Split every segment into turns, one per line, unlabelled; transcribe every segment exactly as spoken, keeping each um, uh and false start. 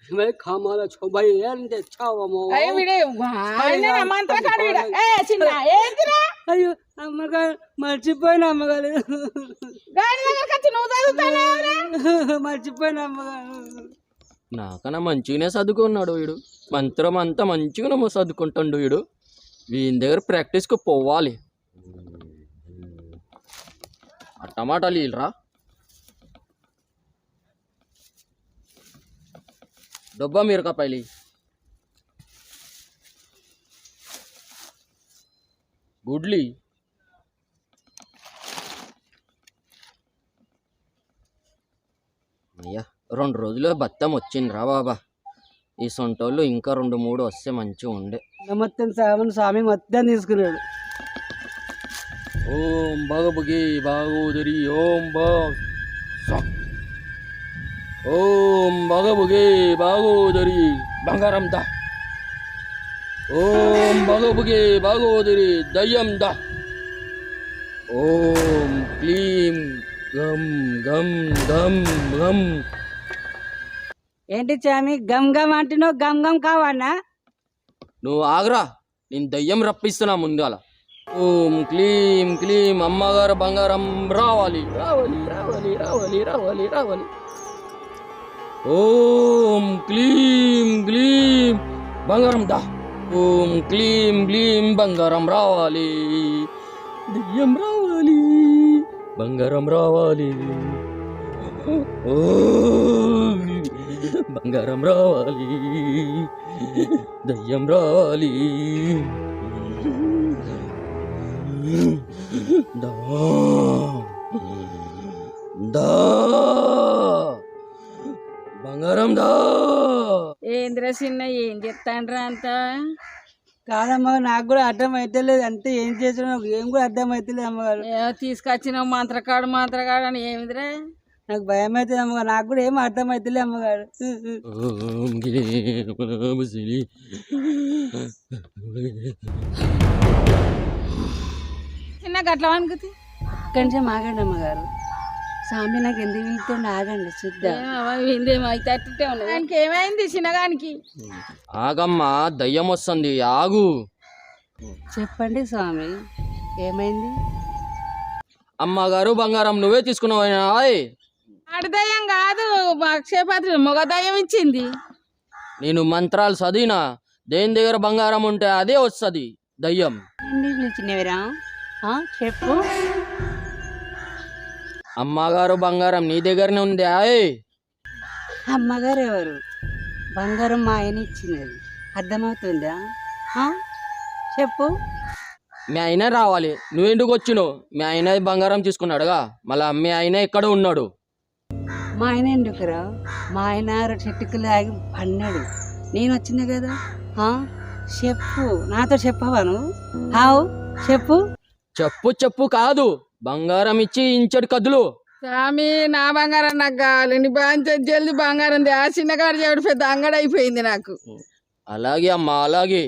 मैं खामाला छो भाई यार इंते छावमो
అయ్య విడే ఆయన మంత్రకాడు విడ ఏ చిన్న ఏందిరా
అయ్యో అమ్మగారు మర్చిపోయిన అమ్మగారు
గాడి దగ్గరికి వచ్చి నువ్వు చదువుతానేవరా
మర్చిపోయిన అమ్మగారు
నాకన్నా మంచిగానే చదువుకున్నాడు వీడు మంత్రం అంతా మంచిగానే చదువుకుంటాడు వీడు వీని దగ్గర ప్రాక్టీస్కి పోవాలి ఆ టమాటాలు ఇల్రా డబ్బా మిరపకాయలు గుడ్లి అయ్యా రెండు రోజులు బత్తం వచ్చిండ్రా బాబా ఈ సొంటోళ్ళు ఇంకా రెండు మూడు వస్తే మంచిగా ఉండే
మొత్తం సామన్ స్వామి మొత్తం తీసుకున్నాడు
ఓం భగభగే భాగోదరి ఓం భా ఓం భగభగే భాగోదరి బంగారం దా ఓం భగభగే భాగోదరి దయ్యం దా ఓం క్లీం గం గం గం గం
ఏంటి స్వామి గమ్ గమ్ అంటున్నావు గమ్ గమ్ కావన్నా
నువ్వు ఆగ్రా నేను దయ్యం రప్పిస్తున్నా ముందాల ఓం క్లీం క్లీం అమ్మగారు బంగారం రావాలి రావాలి రావాలి రావాలి రావాలి రావాలి ఓం క్లీం క్లీం బంగారం దా ఓం క్లీం క్లీం బంగారం రావాలి దయ్యం రావాలి బంగారం రావాలి ఓం బంగారం రావాలి దయ్యం రావాలి దా దా బంగారం దా
ఏంద్రా చిన్న ఏం చెప్తాండ్రా అంత
కాదమ్మా నాకు కూడా అర్థం అవుతలేదు అంతే ఏం చేసినా ఏం కూడా అర్థం అవుతలేదు అమ్మగారు
తీసుకొచ్చిన మంత్రకాడు మంత్రకాడు అని ఏమిదిరా
నాకు భయం అవుతుంది అమ్మగారు నాకు కూడా ఏం అర్థం అవుతలే అమ్మగారు
చిన్న గట్ల అనుకుతి
ఇక్కడి నుంచి ఆగండి అమ్మగారు స్వామి నాకు ఎందుకు వెళ్తుండే ఆగండి చూద్దాం
అయితే అట్టే ఉన్నది దానికి ఏమైంది చిన్నగానికి
ఆగమ్మా దయ్యం వస్తుంది ఆగు
చెప్పండి స్వామి ఏమైంది
అమ్మగారు బంగారం నువ్వే తీసుకున్నావు
ఆడదయ్యం కాదు అక్షయపాత్ర మొగ దయ్యం ఇచ్చింది
నేను మంత్రాలు చదివినా దేని దగ్గర బంగారం ఉంటే అదే వస్తుంది దయ్యం
ఎందుకు పిలిచినవిరా చెప్పు
అమ్మగారు బంగారం నీ దగ్గరనే ఉంది ఆయ్
అమ్మగారు ఎవరు బంగారం మా ఆయన ఇచ్చినది అర్థమవుతుందా చెప్పు
మీ ఆయన రావాలి నువ్వెందుకు వచ్చినావు మీ ఆయన బంగారం తీసుకున్నాడుగా మళ్ళా మీ ఆయన ఎక్కడ ఉన్నాడు
మా ఆయన ఎందుకురా మా ఆయన చెట్టుకు లాగి పన్నాడు నేను వచ్చింది కదా చెప్పు నాతో చెప్పవా నువ్వు హావు చెప్పు
చెప్పు చెప్పు కాదు బంగారం ఇచ్చి ఇంచడు కదులు
స్వామి నా బంగారం నాకు కావాలి నీ బాగా జల్ది బంగారం ఆ చిన్నగాడు చెడు పెద్ద అంగడి అయిపోయింది నాకు
అలాగే అమ్మా అలాగే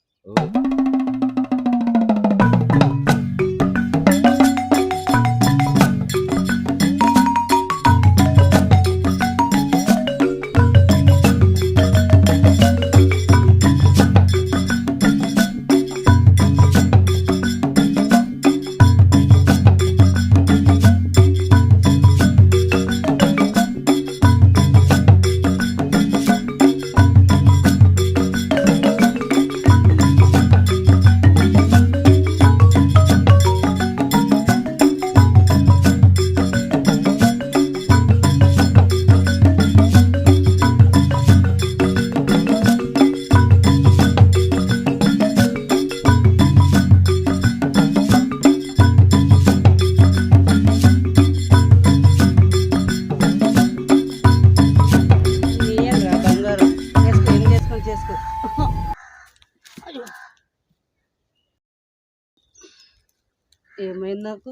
ఏమైంది నాకు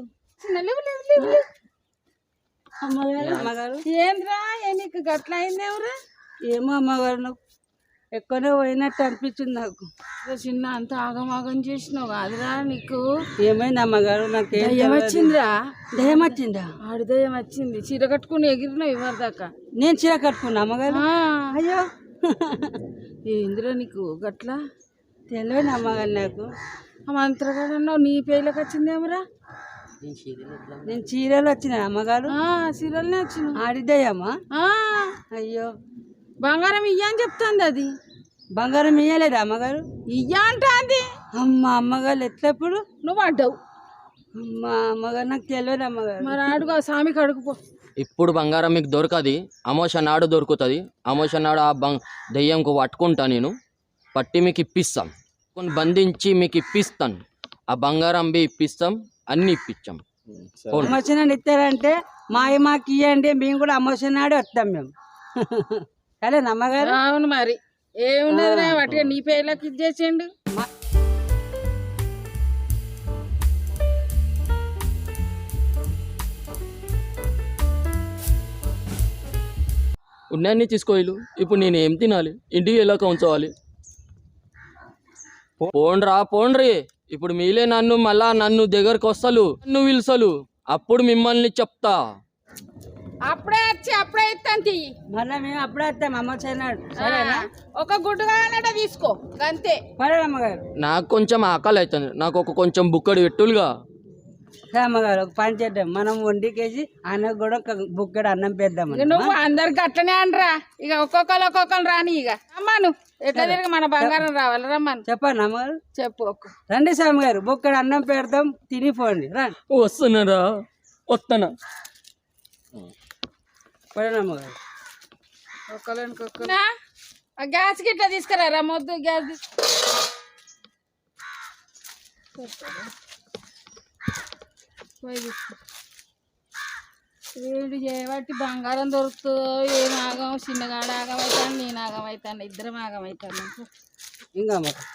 అమ్మగారు ఏంద్రా నీకు గట్ల అయింది ఎవరు
ఏమో అమ్మగారు నాకు ఎక్కడో పోయినట్టు అనిపించింది నాకు
చిన్న అంత ఆగమాగం చేసినావు కాదురా నీకు
ఏమైంది అమ్మగారు నాకు
దయ్యం వచ్చిందిరా
దయ్యం వచ్చిందా
ఆడు దయ్యం వచ్చింది చీర కట్టుకుని ఎగిరినావు ఇవ్వరు దాకా
నేను చీర కట్టుకున్నా అమ్మగారు అయ్యో
ఏందిరా నీకు గట్లా
తెలియని అమ్మగారు నాకు.
ఆ మంత్రగాడన్నావు నీ పేర్లోకి వచ్చిందేమరా?
నేను చీరలు వచ్చిన అమ్మగారు
సీరియల్నే వచ్చిన
ఆడిద్దయ్యమ్మా. అయ్యో
బంగారం ఇయ్య అని చెప్తాంది అది.
బంగారం ఇయ్యలేదు అమ్మగారు.
ఇయ్య అంటాంది.
అమ్మ అమ్మగారు ఎట్లప్పుడు
నువ్వు అడ్డావు.
అమ్మ అమ్మగారు నాకు తెలియదు అమ్మగారు.
మరి అడుగు ఆ స్వామికి అడుగుపో.
ఇప్పుడు బంగారం మీకు దొరకది, అమోష నాడు దొరుకుతుంది. అమోష నాడు ఆ బంగ్ దెయ్యంకు పట్టుకుంటా, నేను పట్టి మీకు ఇప్పిస్తాం, కొన్ని బంధించి మీకు ఇప్పిస్తాను. ఆ బంగారం బి ఇప్పిస్తాం, అన్ని ఇప్పించాం.
అమ్మోషన్ ఇస్తారంటే మా మాకు ఇవ్వండి, మేము కూడా అమ్మోషన్ నాడే వస్తాం మేము. సరేనా అమ్మగారు?
అవును మరి ఏమున్నది వాటిగా నీ పేర్లోకి ఇచ్చేసిండు.
ఉన్నాయన్నీ తీసుకోవాలి. ఇప్పుడు నేను ఏం తినాలి, ఇంటికి ఎలా ఉంచవాలి? పోండ్రా పోండ్రి, ఇప్పుడు మీలే నన్ను మళ్ళా నన్ను దగ్గరకు వస్తలు, నన్ను పిలుసలు, అప్పుడు మిమ్మల్ని చెప్తా.
అప్పుడే వచ్చి అప్పుడే ఇస్తాను.
మళ్ళీ మేము అప్పుడే వస్తాం అమ్మోషన్ నాడు. సరేనా?
ఒక గుడ్డు కావాలంటే తీసుకో అంతే.
సరే అమ్మగారు.
నాకు కొంచెం ఆకలి అవుతుంది, నాకు ఒక కొంచెం బుక్కడి పెట్టులుగా.
సరే అమ్మగారు, ఒక పని చేద్దాం, మనం వండికేసి అన్నకు కూడా ఒక బుక్కడు అన్నం పెద్దాం.
నువ్వు అందరికి అట్లనే అనరా, ఇక ఒక్కొక్కరు ఒక్కొక్కరు రాని. ఇక అమ్మాను ఎట్లా తిరిగి మన బంగారం రావాలి. రమ్మను. చెప్పండి అమ్మగారు. చెప్పు.
రండి స్వామి గారు, బుక్కడు అన్నం పెడతాం, తినిపోండి. రండి.
వస్తున్నారా? వస్తానా?
పడనమ్మగారు.
గ్యాస్ గిట్లా తీసుకురారా, మొద్దు గ్యాస్ వేడి చేయబట్టి బంగారం దొరుకుతుందో ఏం ఆగం. చిన్నగాడ ఆగం అవుతాను, నేను ఆగం అవుతాను, ఇద్దరం ఆగం అవుతాను.
ఇంకా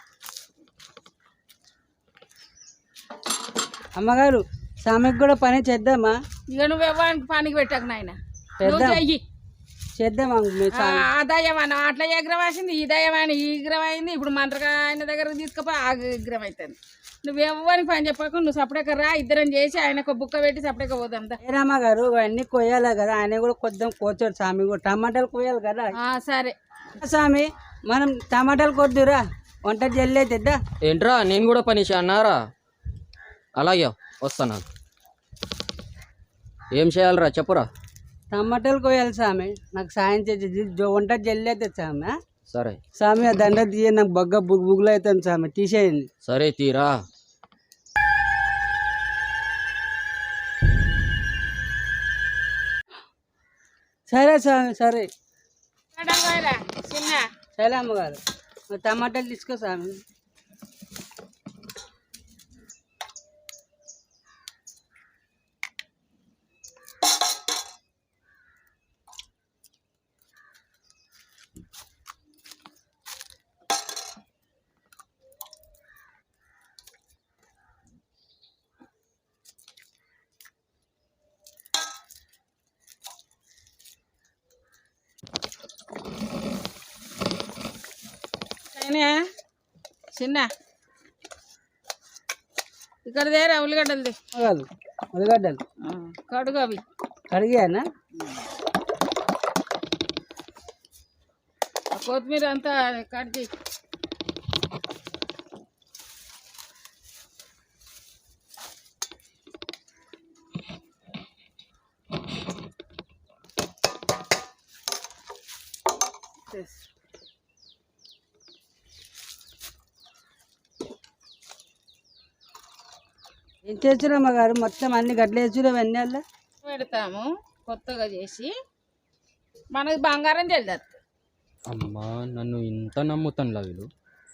అమ్మగారు, స్వామికి కూడా పని చేద్దామా?
ఇక నువ్వు ఎవరికి పనికి పెట్టకు నాయన, చెయ్యి
చేద్దాం.
ఆ దయ్యం అన్న అట్లా ఎగ్రం వేసింది, ఈ దయ్యం ఆయన ఈ విగ్రహం అయింది. ఇప్పుడు మంత్రకాయన దగ్గరకు తీసుకుపోయి ఆ విగ్రహం అవుతుంది. నువ్వు ఎవరికి పని చెప్పకు, నువ్వు సపరేట్గా రా, ఇద్దరం చేసి ఆయనకు బుక్క పెట్టి సపరేట్గా పోదాం.
ఏరమ్మ గారు, అన్ని కొయ్యాలి కదా, ఆయన కూడా కొద్దాం కోచాడు. స్వామి కూడా టమాటాలు కొయ్యాలి కదా.
సరే
స్వామి, మనం టమాటాలు కొద్దురా, వంట జల్లి అవుతుందా?
ఏంట్రా, నేను కూడా పని అన్నారా? అలాగే వస్తాను. ఏం చేయాలరా చెప్పురా.
టమాటాలు కొయ్యాలి స్వామి, నాకు సాయం చేసి వంట జల్లి అవుతుంది స్వామి.
సరే
స్వామి, ఆ దండ తీయ, నాకు బగ్గ బుగ్ బుగ్గులు అవుతుంది స్వామి, తీసేయండి.
సరే తీరా.
సరే స్వామి, సరే.
చిన్న
సరే అమ్మగారు, టమాటాలు తీసుకో స్వామి.
చిన్న ఇక్కడ దేరా ఉల్లిగడ్డలది.
ఉల్లిగడ్డలు
కడుగు, అవి
కడిగానా?
కొత్తిమీర అంతా కట్ చేయి.
ఏం చేస్తున్నామ్మ గారు, మొత్తం అన్ని గడ్డలు వేసుకున్నాం, అన్నీ అలా
పెడతాము కొత్తగా చేసి, మనకి బంగారం చెల్దారు.
అమ్మా, నన్ను ఇంత నమ్ముతాను వీళ్ళు.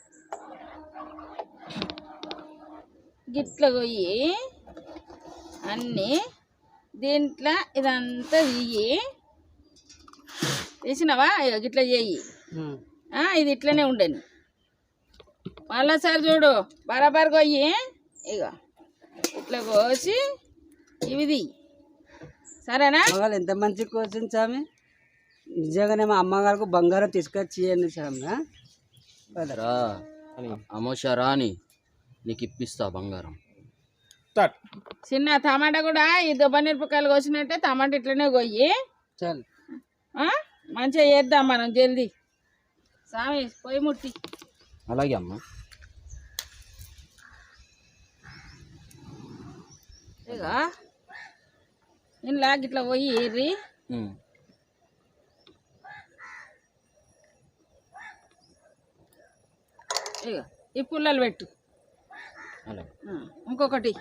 గిట్ల పోయి అన్నీ దీంట్లో ఇదంతా తీయి, తీసినావా? గిట్లా చేయి, ఇది ఇట్లనే ఉండని. మళ్ళా సార్ చూడు, బరాబర్ కొయ్యి, ఇక ఇట్లా కోసి ఇవి తీయి. సరేనా?
ఎంత మంచి కోసింది స్వామి, నిజంగానే మా అమ్మగారికి బంగారం తీసుకొచ్చి ఇవ్వండి స్వామి.
అమోష రాని నీకు ఇప్పిస్తా బంగారం.
చిన్న టమాటా కూడా ఈ దుబ్బ మిరపకాయలు కోసినట్టే టమాటా ఇట్లనే కొయ్యి.
చాలు,
మంచిగా చేద్దాం మనం జల్దీ. స్వామి పొయ్యి ముట్టి
అలాగే అమ్మ.
ఇక ఇంట్లో ఇట్లా పోయి ఎర్రి
ఉమ్.
ఇక ఈ పుల్లలు పెట్టు.
అలాగే.
ఆ, ఇంకొకటి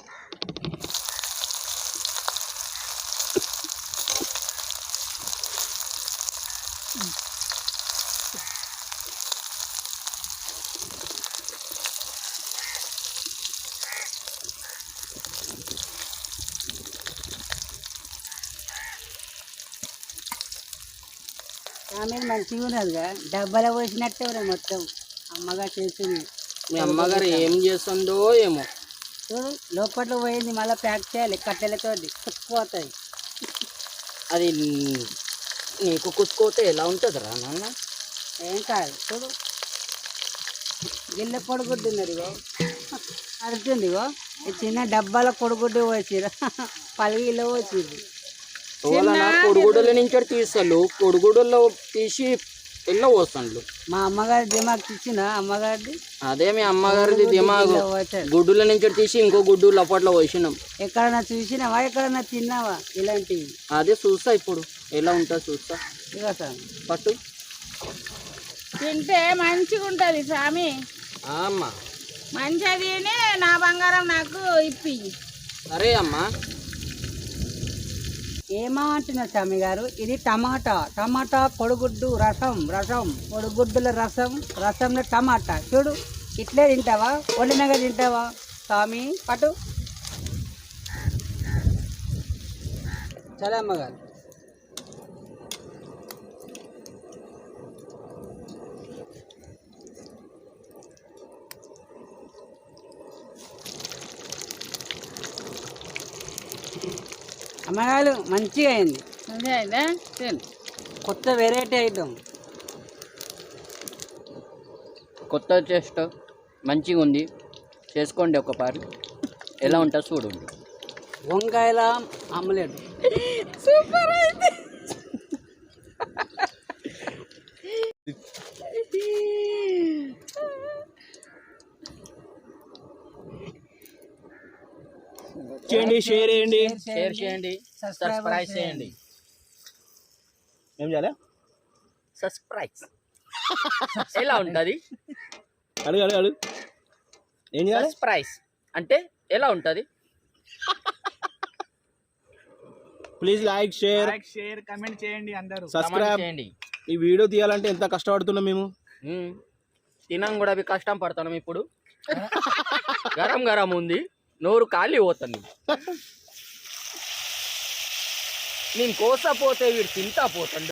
ఆమె మంచిగా ఉన్నదిగా డబ్బాలో పోసినట్టే ఉన్నాయి మొత్తం అమ్మగా చేసింది.
మీ అమ్మగారు ఏం చేస్తుందో ఏమో.
చూడు లోపట్లో పోయింది, మళ్ళీ ప్యాక్ చేయాలి కట్టెలతో కుక్కుపోతుంది.
అది నీకు కుట్టుకోతే ఎలా ఉంటుందిరా నాన్న?
ఏం కాదు చూడు, గిల్ల పొడిగుడ్డు ఉన్నది ఇగో అడుగుతుంది ఇగో. ఈ చిన్న డబ్బాలో పొడిగుడ్డు పోసిరు పలిగిలో పోసిరు.
కొడుగుడుల నుంచి తీస్తాను, కొడుగుడులో తీసి ఎల్లో పోస్తాను.
మా అమ్మగారి దిమాగ్ ఇచ్చిన అమ్మగారిది
అదే మీ అమ్మగారిది దిమాగు. గుడ్డుల నుంచి తీసి ఇంకో గుడ్డు లపట్లో పోసినాం.
ఎక్కడన్నా చూసినావా, ఎక్కడన్నా తిన్నావా ఇలాంటివి?
అదే చూస్తా ఇప్పుడు ఎలా ఉంటుంది చూస్తా.
ఇగో సార్
పట్టు.
తింటే మంచిగా ఉంటుంది స్వామి.
అమ్మ
మంచిగా తిని నా బంగారం నాకు ఇప్పి.
సరే అమ్మా.
ఏమంటున్నారు స్వామి గారు? ఇది టమాటా, టమాటా కొడుగుడ్డు రసం, రసం కొడుగుడ్డుల రసం, రసంలో టమాటా. చూడు ఇట్లే తింటావా, వండినగా తింటావా స్వామి? పట్టు. సరే అమ్మగారు. అమ్మగారు మంచిగా అయింది,
మంచిగా అయిందా? తిను.
కొత్త వెరైటీ ఐటమ్.
కొత్త టేస్ట్ మంచిగా ఉంది, చేసుకోండి ఒకసారి. ఎలా ఉంటుంది చూడండి.
వంకాయల ఆమ్లెట్
సూపర్ అయింది.
చేయండి, షేర్ చేయండి,
షేర్ చేయండి, సబ్స్క్రైబ్ చేయండి.
ఏం చేయాలి?
సబ్స్క్రైబ్ ఎలా ఉంటుంది?
అడుగు అడుగు అడుగు ఏం చేయాలి?
సబ్స్క్రైబ్ అంటే ఎలా ఉంటుంది?
Please like, share,
share comment చేయండి అందరూ.
సబ్స్క్రైబ్
చేయండి.
ఈ వీడియో తీయాలంటే ఎంత కష్టపడుతున్నాం మేము.
ఉమ్. తినం కూడా అవి కష్టం పడతాం. ఇప్పుడు గరం గరం ఉంది, నోరు ఖాళీ పోతుంది. నేను కోసపోతే వీడు తింటా పోతాడు.